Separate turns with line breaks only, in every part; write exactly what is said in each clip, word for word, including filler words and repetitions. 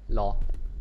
หรอ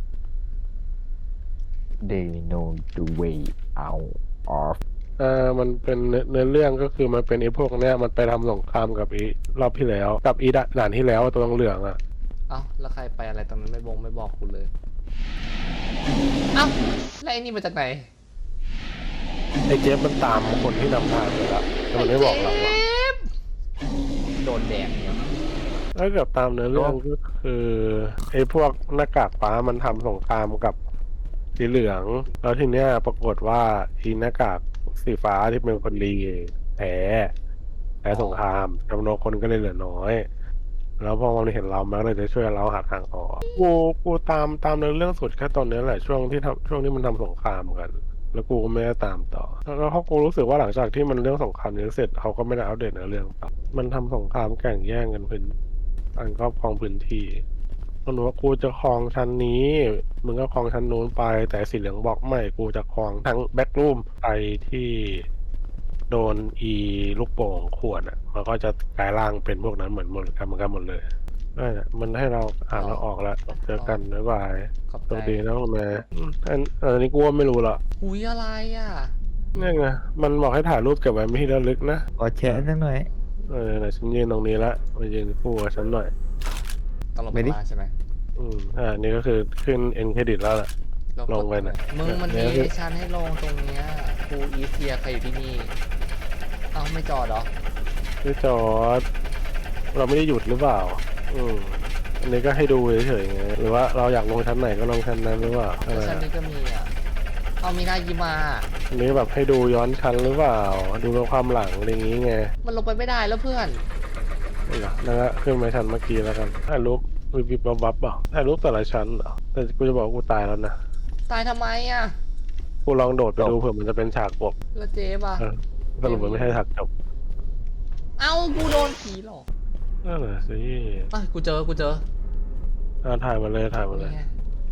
They know the way out of
อ่ามันเป็นเนื้อเนื้อเรื่องก็คือมันเป็นไอ้พวกเนี้ยมันไปทำสงครามกับอีรอบที่แล้วกับอีด่านที่แล้วตัวเหลืองๆอ่ะ
เอ้าแล้วใครไปอะไรตรงนั้นไม่บงไม่บอกกูเลย เอ้าแล้วไอ้นี่มาจากไหน
ไอ้เจฟมันตามคนที่นำทางไปแล้วแต่มันไม่บอกเราอะ
โดนแดดเนี่ย
ถ้าเกิดตามเนื้อเรื่องก็คือไอ้พวกหน้ากากฟ้ามันทำสงครามกับสีเหลืองแล้วทีเนี้ยปรากฏว่าอีหน้ากากสีฟ้าที่เป็นคนดีแพ้แพ้สงครามจำนวนคนก็เลยเหลือน้อย แล้วพอมันเห็นเรามันก็เลยจะช่วยเราหาทางออกกูกูตามตามเนื้อเรื่องสุดแค่ตอนนี้แหละช่วงที่ทำช่วงที่มันทำสงครามกัน แล้วกูก็ไม่ได้ตามต่อแล้วเขากูรู้สึกว่าหลังจากที่มันเรื่องสงครามนี้เสร็จเขาก็ไม่ได้อัปเดตเนื้อเรื่องต่อมันทำสงครามแข่งแย่งกันพื้นการครอบครองพื้นที่มันบอกว่ากูจะครองชั้นนี้มึงก็ครองชั้นนู้นไปแต่สีเหลืองบอกไม่กูจะครองทั้งแบ็กรูมไปที่โดนอีลูกโป่งขวดอ่ะมันก็จะกลายร่างเป็นพวกนั้นเหมือนหมดกันเหมือนกันหมดเลยนั่นแหละมันให้เราอ่านแล้วออกแล้วเจอกันบ๊ายบาย
ขอบ
โช
ใจ
คดีนะคุณแม่อืมอันอันนี้กูว่าไม่รู้ละ
หุยอะไรอ่ะ
นี่ไงมันบอกให้ถ่ายรูปเก็บไว้ไม่ที่ระลึกนะ
ขอแชร์สักหน่อย
เออไหนฉันยืนตรงนี้ละมายืนคู่กับฉันหน่อย
ต้องลง
ไม่
ไป
ดิ
ล่างใช่ไหม
อืมอ่านี่ก็คือขึ้นเอ็นเครดิตแล้วแหละ ลงไปหน่อย
มึงมันมี
เดี๋ยว
ให้ฉันให้ลงตรงเนี้ยครูอีเซียใครอยู่ที่นี่ เอ้าไม่จอดเหรอ
พี่จอร์ดเราไม่ได้หยุดหรือเปล่า อืมอันนี้ก็ให้ดูเฉยๆไงหรือว่าเราอยากลงชั้นไหนก็ลงชั้นนั้นหรือเปล่าอะ
แล้ว
ไร
ชั้นนี้ก็มีอ่ะ เอามีหน้ายิมา
อันนี้แบบให้ดูย้อนชั้นหรือเปล่า ดูเป็นความหลังอะไรอย่างงี้ไง
มันลงไปไม่ได้แล้วเพื่อน
นี่เหรอนั่นก็ขึ้นไปชั้นเมื่อกี้แล้วกันถ่ายรูปวิบวิบวับวับเปล่าถ่ายรูปแต่ละชั้นเหรอแต่กูจะบอกว่ากูตายแล้วนะ
ตายทำไมอ่ะ
กูลองโดดไปดูเผื่อมันจะเป็นฉากจบ
แล้วเจ๊ป่ะ
เออสรุปมันไม่ใช่ฉากจบ
เอ้ากูโดนผีหลอก
นั่นแหละสิ
เอ้ยกูเจอ กูเจอ
อ่าถ่ายมาเลยถ่ายมาเลย
นี่ไง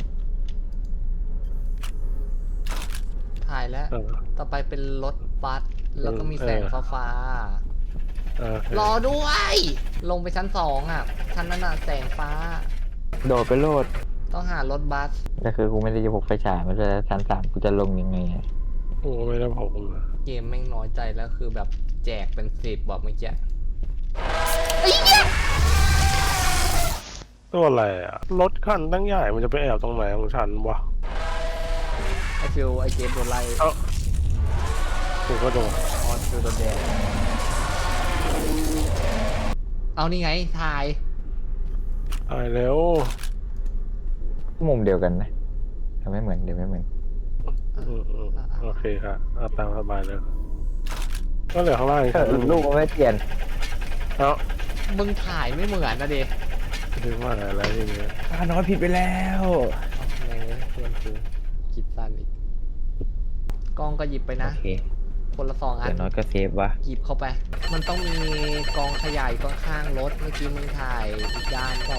ถ่ายแล้ว
เออ
ต่อไปเป็นรถบัส แล้วก็มีแสง
เออ
ฟ้าฟ้า
เออ
ๆรอด้วย ลงไปชั้นสองอ่ะ ชั้นนั้นอ่ะแสงฟ้า
โดดไปโลด
ต้องหารถบัส
แต่คือกูไม่ได้จะพกไฟฉายมันจะชั้นสามกูจะลงยังไงอะ
โอ้ไม่ได้ผมเลย
เกมแม่งน้อยใจแล้วคือแบบแจกเป็นสิบบอกเมื่อกี้
ตัวอะไรอ่ะรถคันตั้งใหญ่มันจะไปแอบตรงไหนของฉันวะ
ไอฟิวไอเจมโดนไล่
เอ้ากูก็โดน
ออนฟิวโดนแดงเอานี่ไงถ่าย
ตายแล้ว
มุมเดียวกันนะแต่ไม่เหมือนเดี๋ยวไม่เหมือน
อืมอืมโอเคครับเอาตามสบายเลยก็เหลือข้างล่างอีก
เออ
ชั้นหนึ่ง
ลูกมันไม่เปลี่ยน
เอ้า
มึงถ่ายไม่เหมือนนะเดช
ถึงว่าอะไรทีนี้
ตาน้อยผิดไปแล้ว
แม่งเลยเพื่อนกูคิดสั้นอีกกล้องก็หยิบไป
โอ
นะ
เค
คนละสองอั
แต่
น
น้อยก็เซฟวะ
หยิบเข้าไป มันต้องมีกองขยายข้างๆรถเมื่อกี้มึงถ่ายอีกด้านเปล่า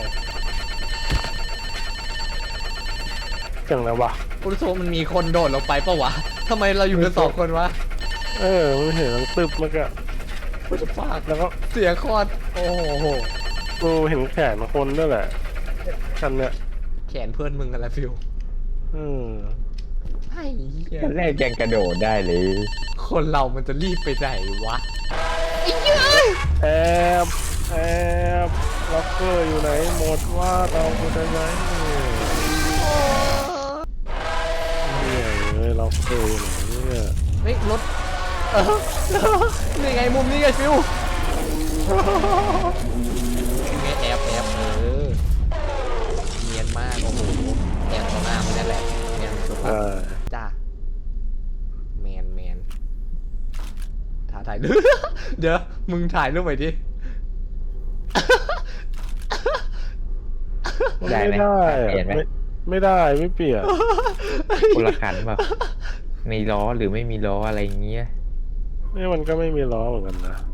จังแล้ววะ
กูรู้สึกว่ามันมีคนโดดลงไปเปล่าวะทำไมเราอยู่กันสองคนวะ
เออมันเห็นมันตึบมากอะ
กูจะฟาก
แล้วก็
เสียคอดโอ้โห
กูเห็นแขนคนด้วยแหละคันเนี้ย
แขนเพื่อนมึงอะไรฟิว
อืม
ไอ้เหี้ย
ขั้นแรกยังกระโดดได้เลย
คนเรามันจะรีบไปไหนวะ
แอบแอบล็อกเกอร์อยู่ไหนหมดว่าเรากูจะไหนเนี่ยเลยล็อกเกอร์อยู่ไหนเนี่ย
เฮ้ยรถเออนี่ไงมุมนี้ไงฟิวนี่ไงแอบแอบเออเนียนมากโอ้โหแอบต่อหน้ามันนั่นแหละเนียนสุด
เออ
จ้าแมนแมนถ่ายถ่ายรูป เดี๋ยวมึงถ่ายรูปไปดิ
ได้ไหม
ไม่ได้
เปลี่ยนไหม
ไม่ไม่ได้ไม่เปลี่ยน
คนละคันแบบมีล้อหรือไม่มีล้ออะไรอย่างเงี้ย
นี่มันก็ไม่มีล้อเหมือนกันนะ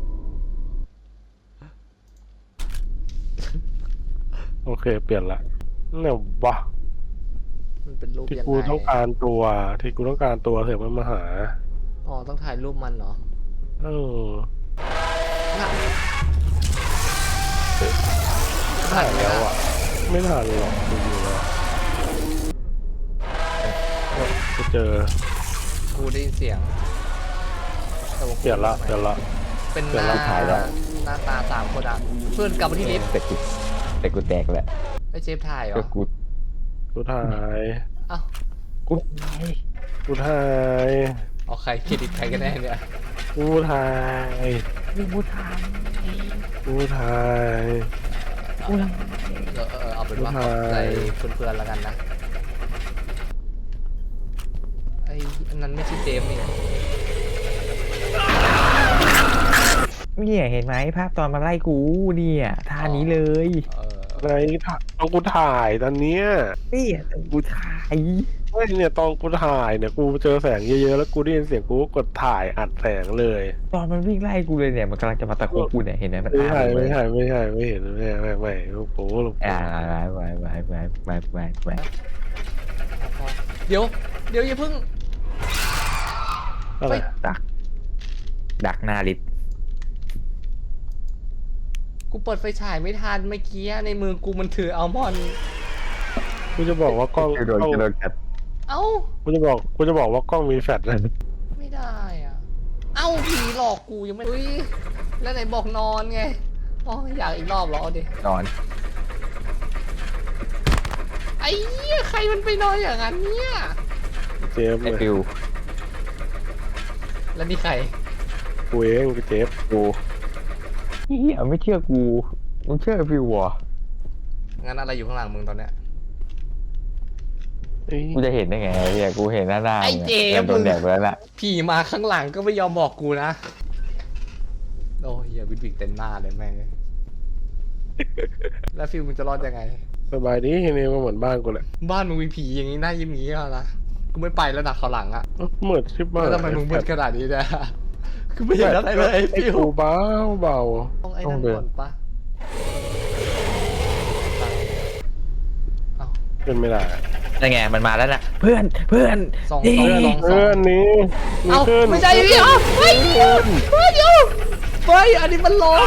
โอเคเปลี่ยนละเนี่ยวะ
มันเป็นรูป
ที่
ยัง
กู
ไง
ต้องการตัวที่กูต้องการตัวเสียมันมาหา
อ๋อต้องถ่ายรูปมันเหรอ
เออ
น่ะ
ถ่ายแล้วอ่ะ ไม่ทันหรอกดูอยู่แล้วเจอ
กูได้ยินเสียงแต่ว่ากู
เปลี่ยนละเปลี่ยนละ
เป็นห
เดี๋ยว
น้า
เราถ่ายแล้ว
หน้าตาสามคนอ่ะเพื่อนกลับมาที่ลิฟต์
แต่กูแต่กูแตกแหละ
ไอ้เจฟถ่ายเหร
ก็
อ
กู
กูถ่าย
เอ้า
กู
กูถ่าย
เอาใครเครดิตใครกันแน่เนี่ย
กูถ่าย
กูทำ
กูถ่าย
กูท
เออเออเอาเป็นว่า
ถ่
ข
าย
อบใจเพื่อนๆแล้วกันนะไอ้อันนั้นไม่ใช่เจมส์นี่
ำเนี่ยเห็นไหมภาพตอนมาไล่กูเนี่ยท่านี้เลย
เออ
ไหนถ่ายตอนกูถ่ายตอนเนี้ย
เนี่ยกูถ่าย
ไม่เนี่ยตอนกูถ่ายเนี่ยกูเจอแสงเยอะๆแล้วกูได้ยินเสียงกูก็กดถ่ายอัดแสงเลย
ตอนมันวิ่งไล่กูเลยเนี่ยมันกำลังจะมาตะโกนกูเนี่ยเห็นไหมมัน
ไม่
อ้า
ใช่
เล
ไม่
ย
ใช่ไม่ใช่ไม่เห็นไม่ไม่ไม่ไม่ลูกโป้ลูกโป้
อ่าไปไปไปไปไปไป
เดี๋ยว เดี๋ยวอย่าเพิ่ง
อะไร
ดักดักหน้าลิฟต์
กูเปิดไฟฉายไม่ทันเมื่อกี้ในมือกูมันถืออัลมอนด์
กูจะบอกว่ากล้อง
โดน
กล้อง
โดนกัด
เอ้า
กูจะบอกกูจะบอกว่ากล้องมีแฟลชนะ
ไม่ได้อ่ะ เอ้าผีหลอกกูยังไม่อุ้ยแล้วไหนบอกนอนไงอ๋ออยากอีกรอบเหรอเอาดิ
นอน
ไอ้เหี้ยใครมันไปนอนอย่างนั้นเนี่ย
เจฟเล
ไอ้
ย
ฟิว
แล้วนี่ใคร
กูเองกูเจฟ
กูเฮียไม่เชื่อกูมึงเชื่อไอ้ฟิวเหรอ
งั้นอะไรอยู่ข้างหลังมึงตอนเนี้ย
เอ้ย
กูจะเห็นได้ไงเฮียกูเห็นหน้าหน้า
ไอ้เจมส์
โดนแดดไปแล้วล่ะ
ผีมาข้างหลังก็ไม่ยอมบอกกูนะ โอ้ยอย่าวิดวิกเต็มหน้าเลยแม่ง แล้วฟิลมึงจะรอดยังไง
สบายดีนี่ก็เหมือนบ้านกูแหละ
บ้านมึงมีผีอย่างนี้หน้ายิ้มอย่างนี้เหรอนะกูไม่ไปแล้วนะเขาวหลังอะ
เอ้าเหมือนชิบบ้าน
แล้วทำไมมึงมืดขนาดนี้เนี่ยคือไม่เห็นอะไรเลย
ไอ้
ฟิว
กูเบาเบา
ต้องไอ้นั่นก่อนปะเอ้า
เป็นไม่ได้
นั่นไงมันมาแล้วน่ะเพื่อนเพื่อน
สอง
นี่
สองสองส
เพื่
อ
อง นนี้มี
เอ้า
ขึ้น
ไม่ใช่พี่เอ้าเฮ้ยเดี๋ยวเฮ้ยเดี๋ยวเฮ้ยอันนี้มันลง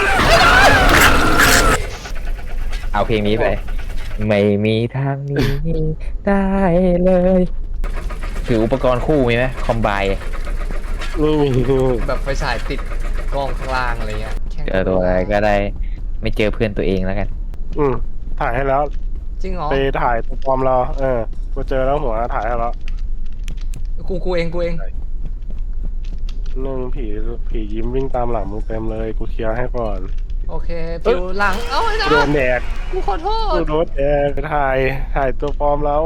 เอาเพลงนี้ไป ไม่มีทางหนี้ได้เลยถืออุปกรณ์คู่มีไหมคอมไบ
ไม่มี
แบบไฟฉายติดกล้องข้างล่างอะไรเงี้ยแค่
เจอตัวอะไรก็ได้ไม่เจอเพื่อนตัวเองแล้วกัน
อืมถ่ายให้แล้ว
จริงเหรอ
ไปถ่ายตัวปลอมเราเออกูเจอแล้วหัวถ่ายให้แล้ว
กูกูเองกูเอง
หนึ่งผีผียิ้มวิ่งตามหลังมึงเต็มเลยกูเคลียร์ให้ก่อน
โอเคฟิวหลังเอ้าไอ้นะ
โดนแดก
กูขอโท
กู
ษ
โดนแดกไปถ่ายถ่ายตัวปลอมแล้ว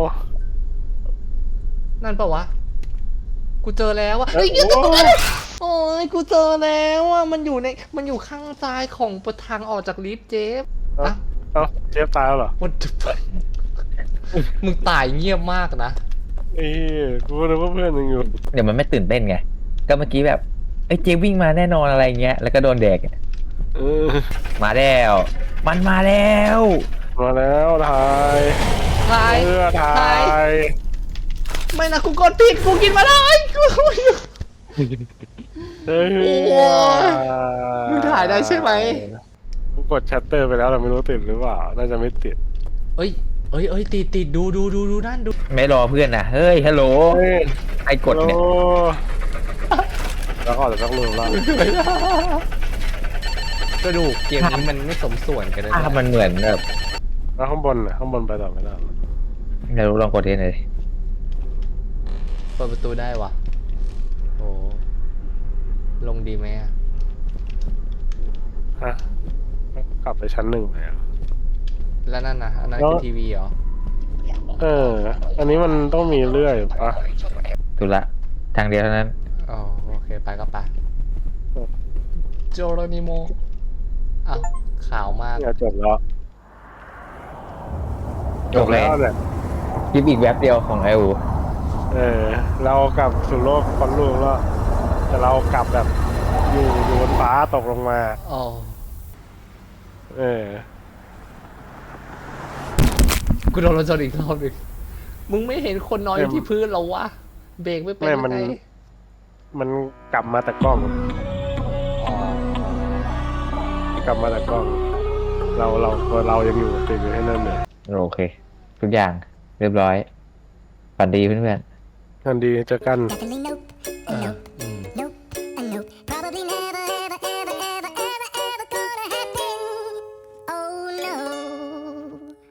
นั่นปะวะกูเจอแล้วอะ
เอ้
เฮ้
ย
ย
โอ้ย
โอ้ยกูเจอแล้วอะมันอยู่ในมันอยู่ข้างซ้ายของประทางออกจากลิฟต์เจฟ
เอ้า
อะ
เอ้าเจฟตายแล้วเหรอ
วันจุบมึงตายเงียบมากนะ
เอ้ยกูนึกว่าเพื่อนยังอยู่
เดี๋ยวมันไม่ตื่นเต้นไงก็เมื่อกี้แบบไอ้ยเจวิ่งมาแน่นอนอะไรเงี้ยแล้วก็โดนแดก
เออ
มาแล้วมันมาแล้ว
มาแล้วถ่าย
ตาย
เพื่อถ่า
ตาย
ย
ไม่นะกูกดผิดกูกินมาแล้วไอ้กู
เฮ้ย
โอ้ยมึงถ่ายได้ใช่ไหม
กูกดชัตเตอร์ไปแล้วแต่ไม่รู้ติดหรือเปล่าน่าจะไม่ติด
เอ้ยเอ้ยเอ้ยติดติดดูดูดูดูนั่นดู
ไม่รอเพื่อนนะเฮ้ยฮัลโหล
เฮ้ย
ไอ้กดเนี่ย
โอ้แล้วก็จะต้องลืมละ
กระดูกเกมนี้มันไม่สมส่วนกันเลย
ภาพมันเหมือนแบบ
แล้วข้างบนน่ะข้างบนไปต่อไม่ได้
ไม่รู้ลองกดเทสหน่อยดิ
เปิดประตูได้วะโอ้ลงดีไหมอะ
ฮะกลับไปชั้นหนึ่งเลยอะ
แล้วนั่นนะอันนั้น
แล้ว
คือทีวีเหรอ
เออ อันนี้มันต้องมีเลื่อยปะ
ถูกละทางเดียวเท่านั้น
อ๋อโอเคไปก็ไปโจโรนิโมอ้าวขาวมาก
เนี่ยจบแล้ว
จบแล้ว
เนี่ย
คลิปอีกแว็บเดียวของไออู
เออ เรากลับสู่โลกคนลูกแล้วแต่เรากลับแบบอยู่อยู่บนฟ้าตกลงมา
อ๋อ
เออ
กูโดนรถชนอีกรอบหนึงมึงไม่เห็นคนนอนอยู่ที่พื้นเหรอวะเบรกไม่เป็น
ไม่
ยัง
มัน
ไง
มันกลับมาแต่กล้อง
อ๋อก
ลับมาแต่กล้อง เราเราตัวเรายังอยู่ติดอยู่ให้นั่นเลย
โอเค ทุกอย่างเรียบร้อยฝันดีเพื่อน
งานดีเจอกัน
แต่เป็นลิง